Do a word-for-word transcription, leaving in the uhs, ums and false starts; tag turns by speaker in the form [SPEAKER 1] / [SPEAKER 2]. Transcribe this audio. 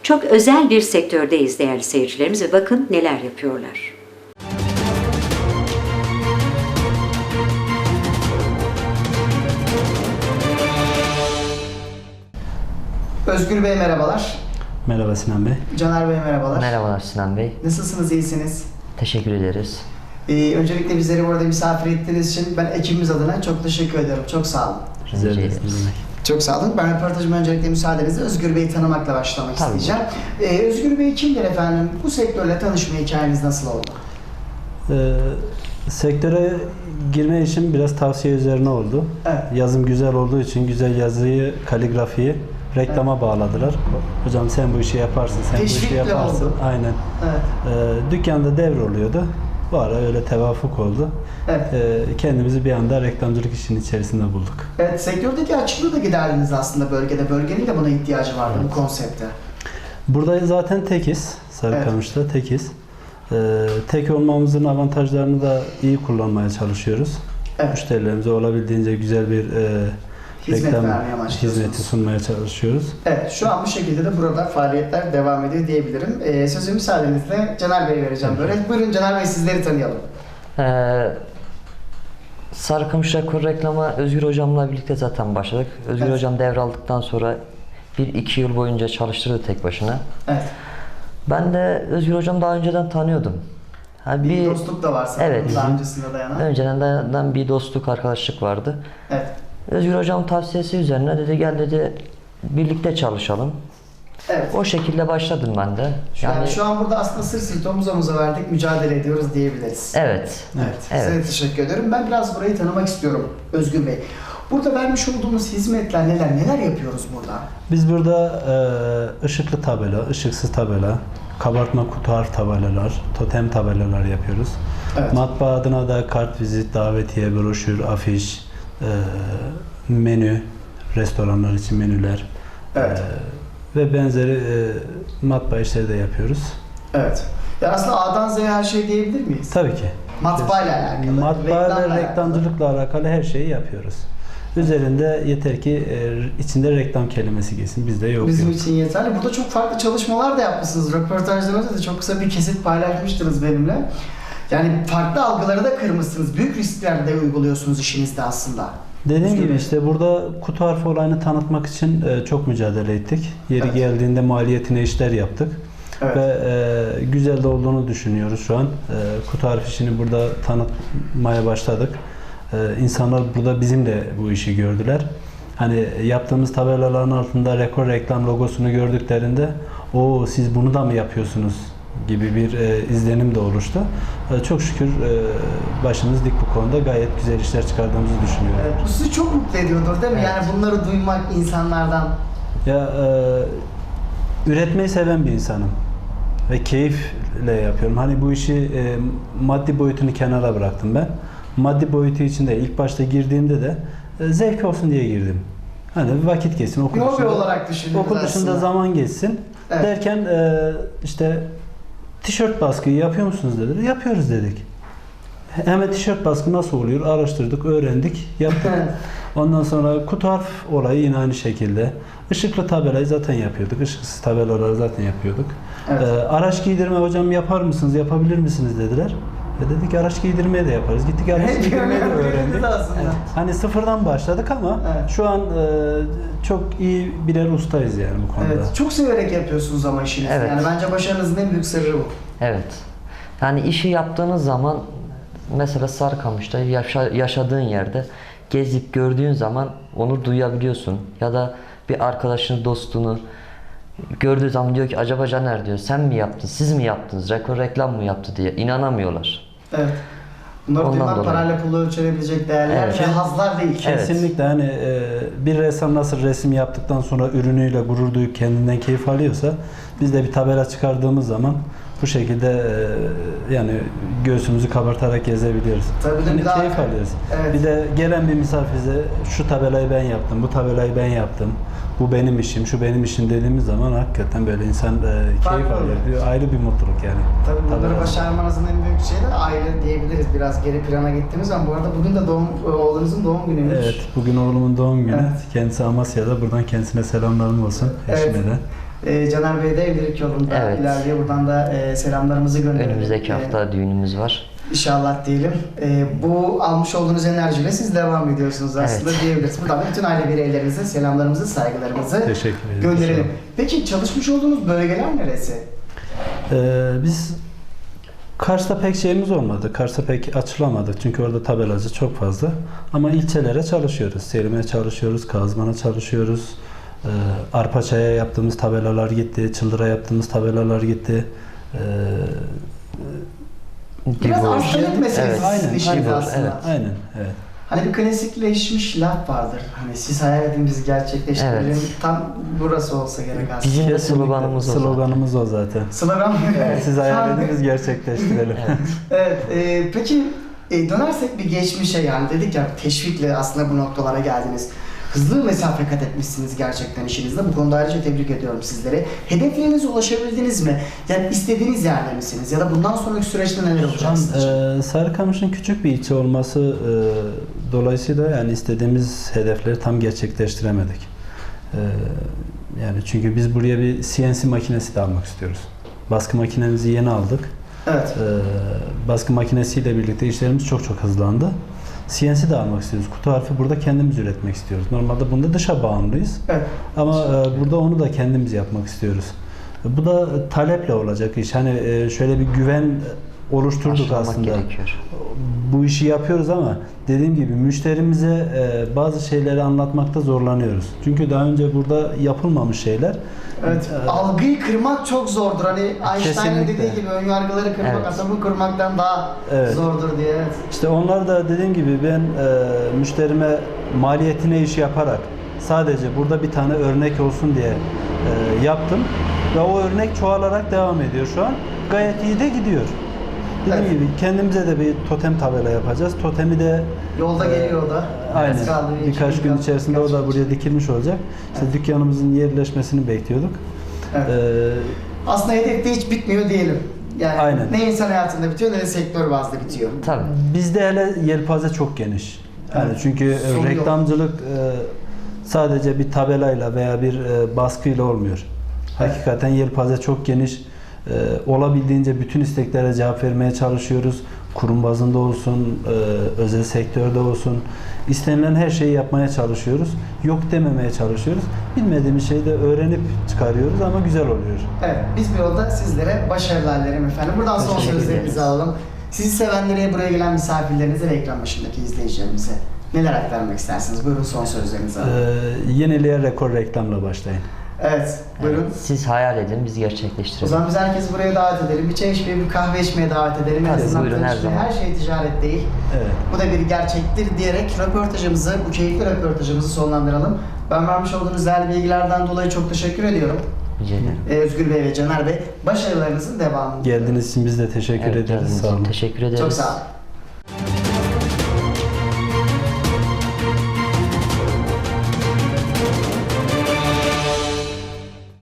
[SPEAKER 1] Çok özel bir sektördeyiz değerli seyircilerimiz ve bakın neler yapıyorlar.
[SPEAKER 2] Özgür Bey merhabalar.
[SPEAKER 3] Merhaba Sinan Bey.
[SPEAKER 2] Caner Bey merhabalar.
[SPEAKER 4] Merhabalar Sinan Bey.
[SPEAKER 2] Nasılsınız, iyisiniz?
[SPEAKER 4] Teşekkür ederiz.
[SPEAKER 2] Ee, öncelikle bizleri burada misafir ettiğiniz için ben ekibimiz adına çok teşekkür ediyorum. Çok sağ olun.
[SPEAKER 3] Rica
[SPEAKER 4] Rica
[SPEAKER 3] ederiz.
[SPEAKER 4] ederiz.
[SPEAKER 3] Ne demek.
[SPEAKER 2] Çok sağ olun. Ben röportajıma öncelikle müsaadenizle Özgür Bey'i tanımakla başlamak
[SPEAKER 4] Tabii.
[SPEAKER 2] isteyeceğim. Ee, Özgür Bey kimdir efendim? Bu sektörle tanışma hikayeniz nasıl oldu?
[SPEAKER 3] Ee, sektöre girme için biraz tavsiye üzerine oldu.
[SPEAKER 2] Evet.
[SPEAKER 3] Yazım güzel olduğu için güzel yazıyı, kaligrafiyi reklama bağladılar. Hocam sen bu işi yaparsın, sen bu
[SPEAKER 2] Teşvikle
[SPEAKER 3] işi yaparsın.
[SPEAKER 2] oldu.
[SPEAKER 3] Aynen.
[SPEAKER 2] Evet.
[SPEAKER 3] Ee, dükkanda devroluyordu. Bu ara öyle tevafuk oldu.
[SPEAKER 2] Evet.
[SPEAKER 3] Ee, kendimizi bir anda reklamcılık işinin içerisinde bulduk.
[SPEAKER 2] Evet, sektördeki açıklığı da giderdiniz aslında bölgede. Bölgenin de buna ihtiyacı vardı bu konsepte.
[SPEAKER 3] Burada zaten tekiz. Sarıkamış'ta tekiz. Ee, tek olmamızın avantajlarını da iyi kullanmaya çalışıyoruz.
[SPEAKER 2] Evet.
[SPEAKER 3] Müşterilerimize olabildiğince güzel bir e,
[SPEAKER 2] Hizmet
[SPEAKER 3] reklam
[SPEAKER 2] vermeye amaçlıyorsunuz.
[SPEAKER 3] hizmeti sunmaya çalışıyoruz.
[SPEAKER 2] Evet, şu an bu şekilde de burada faaliyetler devam ediyor diyebilirim. Ee, sözü müsaadenizle Caner Bey'e vereceğim böyle. Buyurun Caner Bey, sizleri tanıyalım.
[SPEAKER 4] Ee, Sarıkamış Rekor reklama Özgür Hocam'la birlikte zaten başladık. Özgür
[SPEAKER 2] Evet.
[SPEAKER 4] Hocam devraldıktan sonra bir iki yıl boyunca çalıştırdı tek başına.
[SPEAKER 2] Evet.
[SPEAKER 4] Ben de Özgür Hocam daha önceden tanıyordum. Ha,
[SPEAKER 2] Bir,
[SPEAKER 4] bir
[SPEAKER 2] dostluk da var sanırım
[SPEAKER 4] Evet.
[SPEAKER 2] daha öncesinde dayanan.
[SPEAKER 4] önceden dayanan bir dostluk, arkadaşlık vardı.
[SPEAKER 2] Evet.
[SPEAKER 4] Özgür Hocam tavsiyesi üzerine dedi gel dedi birlikte çalışalım.
[SPEAKER 2] Evet.
[SPEAKER 4] O şekilde başladım ben de.
[SPEAKER 2] Yani, şu an burada aslında sırt sırta omuz omuza verdik, mücadele ediyoruz diyebiliriz.
[SPEAKER 4] Evet.
[SPEAKER 2] Evet.
[SPEAKER 4] Evet.
[SPEAKER 2] Size de teşekkür ediyorum. Ben biraz burayı tanımak istiyorum Özgür Bey. Burada vermiş olduğumuz hizmetler neler? Neler yapıyoruz burada?
[SPEAKER 3] Biz burada e, ışıklı tabela, ışıksız tabela, kabartma kutu harf tabelalar, totem tabelalar yapıyoruz.
[SPEAKER 2] Evet.
[SPEAKER 3] Matbaa adına da kart, vizit, davetiye, broşür, afiş, e, menü, restoranlar için menüler
[SPEAKER 2] Evet.
[SPEAKER 3] e, ve benzeri e, matbaa işleri de yapıyoruz.
[SPEAKER 2] Evet. Ya aslında A'dan Z'ye her şey diyebilir miyiz?
[SPEAKER 3] Tabii ki.
[SPEAKER 2] Matbaayla alakalı,
[SPEAKER 3] Matbaa
[SPEAKER 2] reklamla
[SPEAKER 3] ve reklamcılıkla alakalı her şeyi yapıyoruz. Üzerinde yeter ki e, içinde reklam kelimesi geçsin. Bizde yok.
[SPEAKER 2] Bizim
[SPEAKER 3] yok.
[SPEAKER 2] için yeterli. Burada çok farklı çalışmalar da yapmışsınız. Röportajlarınızda da çok kısa bir kesit paylaşmıştınız benimle. Yani farklı algıları da kırmışsınız. Büyük riskler de uyguluyorsunuz işinizde aslında.
[SPEAKER 3] Dediğim
[SPEAKER 2] Özgür
[SPEAKER 3] gibi
[SPEAKER 2] Bey.
[SPEAKER 3] işte burada kutu harfi olayını tanıtmak için e, çok mücadele ettik. Yeri
[SPEAKER 2] Evet.
[SPEAKER 3] geldiğinde maliyetine işler yaptık.
[SPEAKER 2] Evet.
[SPEAKER 3] Ve e, güzel de olduğunu düşünüyoruz şu an. E, kutu harfi işini burada tanıtmaya başladık. E, insanlar burada bizim de bu işi gördüler. Hani yaptığımız tabelaların altında rekor reklam logosunu gördüklerinde o siz bunu da mı yapıyorsunuz gibi bir e, izlenim de oluştu. E, çok şükür e, başımız dik bu konuda, gayet güzel işler çıkardığımızı düşünüyorum.
[SPEAKER 2] Evet, bu sizi çok mutlu ediyordur değil mi?
[SPEAKER 4] Evet.
[SPEAKER 2] Yani bunları duymak insanlardan.
[SPEAKER 3] Ya e, üretmeyi seven bir insanım ve keyifle yapıyorum. Hani bu işi e, maddi boyutunu kenara bıraktım ben. Maddi boyutu için de ilk başta girdiğimde de e, zevk olsun diye girdim. Hani vakit geçsin, okul
[SPEAKER 2] Hobi
[SPEAKER 3] dışında,
[SPEAKER 2] olarak düşündünüz
[SPEAKER 3] okul dışında
[SPEAKER 2] aslında.
[SPEAKER 3] zaman geçsin
[SPEAKER 2] Evet.
[SPEAKER 3] derken e, işte tişört baskıyı yapıyor musunuz dediler. Yapıyoruz dedik. Hemen tişört baskı nasıl oluyor? Araştırdık, öğrendik, yaptık. Ondan sonra kutu harf olayı yine aynı şekilde. Işıklı tabelayı zaten yapıyorduk. Işıksız tabelaları zaten yapıyorduk.
[SPEAKER 2] Evet.
[SPEAKER 3] Ee, araç giydirme hocam yapar mısınız, yapabilir misiniz dediler. Ve dedik araç giydirmeye de yaparız. Gittik araç
[SPEAKER 2] Hep
[SPEAKER 3] giydirmeyi de
[SPEAKER 2] öğrendiniz
[SPEAKER 3] öğrendik.
[SPEAKER 2] aslında.
[SPEAKER 3] Evet. Hani sıfırdan başladık ama
[SPEAKER 2] Evet.
[SPEAKER 3] şu an e, çok iyi birer ustayız yani bu konuda.
[SPEAKER 2] Evet, çok severek yapıyorsunuz ama işinizi.
[SPEAKER 4] Evet.
[SPEAKER 2] Yani bence başarınızın en büyük sırrı bu.
[SPEAKER 4] Evet. Yani işi yaptığınız zaman mesela Sarıkamış'ta yaşa, yaşadığın yerde gezip gördüğün zaman onu duyabiliyorsun. Ya da bir arkadaşını, dostunu gördüğü zaman diyor ki acaba Caner diyor sen mi yaptın, siz mi yaptınız, rekor reklam mı yaptı diye inanamıyorlar.
[SPEAKER 2] Evet. Bunları
[SPEAKER 4] Ondan
[SPEAKER 2] duymak
[SPEAKER 4] dolayı.
[SPEAKER 2] parayla pulu ölçülebilecek değerler
[SPEAKER 4] Evet.
[SPEAKER 2] ve hazlar değil.
[SPEAKER 4] Evet.
[SPEAKER 3] Kesinlikle hani e, bir ressam nasıl resim yaptıktan sonra ürünüyle gurur duyup kendinden keyif alıyorsa biz de bir tabela çıkardığımız zaman bu şekilde e, yani göğsümüzü kabartarak gezebiliyoruz.
[SPEAKER 2] Tabii de
[SPEAKER 3] Yani
[SPEAKER 2] bir daha-
[SPEAKER 3] keyif alıyoruz.
[SPEAKER 2] Evet.
[SPEAKER 3] Bir de gelen bir misafire şu tabelayı ben yaptım, bu tabelayı ben yaptım, bu benim işim, şu benim işim dediğimiz zaman hakikaten böyle insan e, keyif
[SPEAKER 2] Farklı
[SPEAKER 3] alıyor.
[SPEAKER 2] oluyor.
[SPEAKER 3] Diyor. Ayrı bir mutluluk yani.
[SPEAKER 2] Tabii bunları
[SPEAKER 3] Tabela.
[SPEAKER 2] başarmanızın en büyük şeyi de aile diyebiliriz. Biraz geri plana gittiğimiz zaman. Bu arada bugün de doğum, oğlunuzun doğum günüymüş.
[SPEAKER 3] Evet, bugün oğlumun doğum günü.
[SPEAKER 2] Evet.
[SPEAKER 3] Kendisi Amasya'da. Buradan kendisine selamlarım olsun.
[SPEAKER 2] Evet.
[SPEAKER 3] Eşime de.
[SPEAKER 2] E, Caner Bey de evlilik yolunda
[SPEAKER 4] Evet.
[SPEAKER 2] ilerliyor. Buradan da e, selamlarımızı gönderelim.
[SPEAKER 4] Önümüzdeki
[SPEAKER 2] E,
[SPEAKER 4] hafta düğünümüz var.
[SPEAKER 2] İnşallah diyelim. E, bu almış olduğunuz enerjiyle siz devam ediyorsunuz aslında
[SPEAKER 4] Evet.
[SPEAKER 2] diyebiliriz. Buradan da bütün aile bireylerinize selamlarımızı, saygılarımızı
[SPEAKER 3] Teşekkür ederim.
[SPEAKER 2] gönderelim. Peki çalışmış olduğunuz bölgeler neresi?
[SPEAKER 3] Ee, biz Kars'ta pek şeyimiz olmadı. Kars'ta pek açılamadık. Çünkü orada tabelacı çok fazla. Ama ilçelere çalışıyoruz. Selim'e çalışıyoruz, Kazman'a çalışıyoruz. Ee, Arpaçay'a yaptığımız tabelalar gitti. Çıldır'a yaptığımız tabelalar gitti. Ee,
[SPEAKER 2] Biraz
[SPEAKER 4] Divor.
[SPEAKER 2] hastalık meselesi
[SPEAKER 4] Evet.
[SPEAKER 2] sizin
[SPEAKER 3] Aynen,
[SPEAKER 2] işiniz
[SPEAKER 4] aynen,
[SPEAKER 2] aslında.
[SPEAKER 4] evet.
[SPEAKER 3] aynen, evet.
[SPEAKER 2] Hani bir klasikleşmiş laf vardır. Hani siz hayal edin biz gerçekleştirelim.
[SPEAKER 4] Evet.
[SPEAKER 2] Tam burası olsa gerek aslında.
[SPEAKER 4] Bizim de
[SPEAKER 3] Kesinlikle.
[SPEAKER 4] sloganımız o zaten.
[SPEAKER 3] Sloganımız o zaten.
[SPEAKER 2] Slogan mı?
[SPEAKER 3] Siz hayal edin, biz gerçekleştirelim.
[SPEAKER 4] Evet.
[SPEAKER 2] Evet. e, peki e, dönersek bir geçmişe, yani dedik ya teşvikle aslında bu noktalara geldiniz. Hızlı mesafe kat etmişsiniz gerçekten işinizde. Bu konuda ayrıca tebrik ediyorum sizleri. Hedeflerinize ulaşabildiniz mi? Yani istediğiniz yerde misiniz? Ya da bundan sonraki süreçte neler
[SPEAKER 3] Şu
[SPEAKER 2] olacak
[SPEAKER 3] an
[SPEAKER 2] sizin için?
[SPEAKER 3] e, Sarıkamış'ın küçük bir ilçe olması e, dolayısıyla yani istediğimiz hedefleri tam gerçekleştiremedik. E, yani çünkü biz buraya bir C N C makinesi de almak istiyoruz. Baskı makinemizi yeni aldık.
[SPEAKER 2] Evet.
[SPEAKER 3] E, baskı makinesiyle birlikte işlerimiz çok çok hızlandı. C N C de almak istiyoruz. Kutu harfi burada kendimiz üretmek istiyoruz. Normalde bunda dışa bağımlıyız.
[SPEAKER 2] Evet.
[SPEAKER 3] Ama e, burada onu da kendimiz yapmak istiyoruz. E, Bu da taleple olacak iş. Hani e, şöyle bir güven oluşturduk
[SPEAKER 4] Aşılamak
[SPEAKER 3] aslında.
[SPEAKER 4] gerekiyor.
[SPEAKER 3] Bu işi yapıyoruz ama dediğim gibi müşterimize e, bazı şeyleri anlatmakta zorlanıyoruz. Çünkü daha önce burada yapılmamış şeyler.
[SPEAKER 2] Evet.
[SPEAKER 3] E,
[SPEAKER 2] Algıyı kırmak çok zordur. Hani Einstein'ın
[SPEAKER 3] Kesinlikle.
[SPEAKER 2] dediği gibi ön yargıları kırmak
[SPEAKER 4] Evet.
[SPEAKER 2] atomu kırmaktan daha
[SPEAKER 3] Evet.
[SPEAKER 2] zordur diye. Evet.
[SPEAKER 3] İşte onlar da dediğim gibi ben e, müşterime maliyetine iş yaparak sadece burada bir tane örnek olsun diye e, yaptım ve o örnek çoğalarak devam ediyor şu an. Gayet iyi de gidiyor. Dediğim
[SPEAKER 2] Evet.
[SPEAKER 3] gibi kendimize de bir totem tabela yapacağız. Totemi de
[SPEAKER 2] Yolda
[SPEAKER 3] e,
[SPEAKER 2] geliyor o da.
[SPEAKER 3] Aynen.
[SPEAKER 2] Az kaldı, bir iki
[SPEAKER 3] Birkaç gün
[SPEAKER 2] kaldı,
[SPEAKER 3] içerisinde
[SPEAKER 2] birkaç
[SPEAKER 3] o da
[SPEAKER 2] gün
[SPEAKER 3] buraya
[SPEAKER 2] içinde.
[SPEAKER 3] dikilmiş olacak. İşte dükkanımızın yerleşmesini bekliyorduk.
[SPEAKER 2] Evet.
[SPEAKER 3] E,
[SPEAKER 2] Aslında hedef de hiç bitmiyor diyelim. Yani
[SPEAKER 3] Aynen.
[SPEAKER 2] ne insan hayatında bitiyor ne de sektör bazlı bitiyor.
[SPEAKER 4] Tabii.
[SPEAKER 3] Bizde hele yelpaze çok geniş. Yani
[SPEAKER 2] Evet.
[SPEAKER 3] çünkü e,
[SPEAKER 2] Sonu yok.
[SPEAKER 3] reklamcılık e, sadece bir tabelayla veya bir e, baskıyla olmuyor. Hakikaten yelpaze çok geniş. E, olabildiğince bütün isteklere cevap vermeye çalışıyoruz. Kurum bazında olsun, e, özel sektörde olsun. İstenilen her şeyi yapmaya çalışıyoruz. Yok dememeye çalışıyoruz. Bilmediğimiz şeyi de öğrenip çıkarıyoruz ama güzel oluyor.
[SPEAKER 2] Evet, biz bir yolda sizlere başarılar dilerim efendim. Buradan son
[SPEAKER 4] Teşekkür
[SPEAKER 2] sözlerinizi
[SPEAKER 4] ederiz.
[SPEAKER 2] alalım. Sizi sevenlere, buraya gelen misafirlerinize ve ekran başındaki izleyicilerimize neler aktarmak istersiniz? Buyurun son sözlerinizi
[SPEAKER 3] E,
[SPEAKER 2] alalım.
[SPEAKER 3] yeniliğe rekor reklamla başlayın.
[SPEAKER 2] Evet, buyurun.
[SPEAKER 4] Evet, siz hayal edin, biz
[SPEAKER 2] O
[SPEAKER 4] gerçekleştirelim.
[SPEAKER 2] zaman biz herkesi buraya davet edelim. Bir çay içmeye, bir kahve içmeye davet edelim. En
[SPEAKER 4] Tabii,
[SPEAKER 2] azından
[SPEAKER 4] buyurun, her
[SPEAKER 2] tanışmaya.
[SPEAKER 4] zaman.
[SPEAKER 2] Her şey ticaret değil.
[SPEAKER 3] Evet.
[SPEAKER 2] Bu da bir gerçektir diyerek röportajımızı, bu keyifli röportajımızı sonlandıralım. Ben vermiş olduğunuz değerli bilgilerden dolayı çok teşekkür ediyorum.
[SPEAKER 4] Rica ederim.
[SPEAKER 2] Ee, Özgür Bey ve Caner Bey, başarılarınızın devamını.
[SPEAKER 3] Geldiğiniz için biz de teşekkür
[SPEAKER 4] Evet,
[SPEAKER 3] ederiz.
[SPEAKER 4] geldiğiniz
[SPEAKER 3] Sağ
[SPEAKER 4] için
[SPEAKER 3] olun.
[SPEAKER 4] teşekkür ederiz.
[SPEAKER 2] Çok sağ olun.